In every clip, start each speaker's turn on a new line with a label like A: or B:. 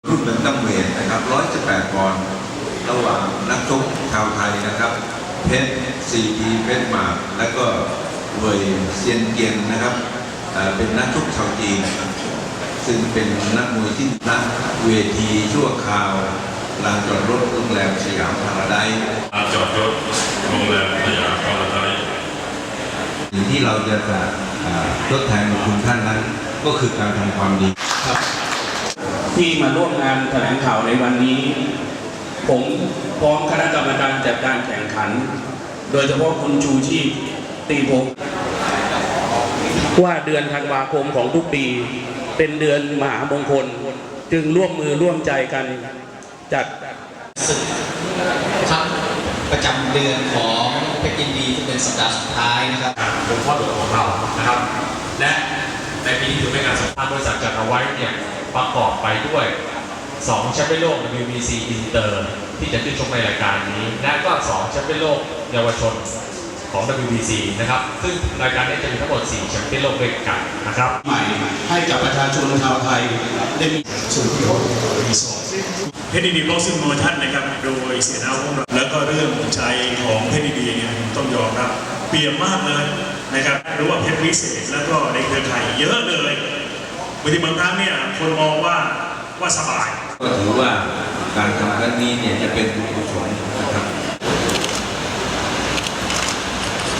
A: รุ่นแบนตัมเวทนะครับ118 ปอนด์ระหว่างนักชกชาวไทยนะครับเพชร4 ปีเพชรหมากและก็เวยเซียนเกียนนะครับเป็นนักชกชาวจีนซึ่งเป็นนักมวยที่นักเวทีชั่วคราวลานจอดรถโรงแรมสยามพาราไดซ์
B: จอดรถโรงแรมสยามพาราไดซ์
A: สิ่งที่เราจะทดแทนคุณท่านนั้นก็คือการทำความดี
C: ครับที่มาร่วมงานแถลงข่าวในวันนี้ผมพร้อมคณะกรรมการจัดการแข่งขันโดยเฉพาะคุณชูชีพตีพงศ์ว่าเดือนธันวาคมของทุกปีเป็นเดือนมหามงคลจึงร่วมมือร่วมใจกันจัด
D: ศึกครับประจำเดือนของเพชรยินดีที่เป็นสัปดาห์สุดท้ายนะครับ
B: เป็นข้อตกลงของเรานะครับและในปีนี้ถือเป็นการสัมภาษณ์บริษัทจัดเอาไว้เนี่ยประกอบไปด้วย2แชมเปี้ยนโลก WBC อินเตอร์ที่จะขึ้นชกในรายการนี้และก็2แชมเปี้ยนโลกเยาวชนของ WBC นะครับซึ่งรายการนี้จะมีทั้งหมด4แชมเปี้ยนโลกด้วยกันนะครับ
E: ใหม่ให้กับประชาชนชาวไทยได้มีสู่ที่เขารีสอร์ท
F: เพชรดีบ็อกซิ่งโปรโมชั่นนะครับโดยเสียดาวของเราแล้วก็เรื่องใจของเพชรดีเนี่ยต้องยอมรับเปลี่ยนมากเลยนะครับรู้ว่าเพชรวิเศษแล้วก็ในเครือข่ายเยอะเลยบางทีบางครั้งเนี่ยคนมองว่าสบาย
A: ก็ถือว่าการทำครั้งนี้เนี่ยจะเป็นบุญกุศลนะครับ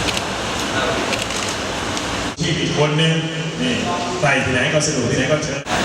F: ที่อีกคนนึงนี่ไปที่ไหนก็สนุกที่ไหนก็เชิญ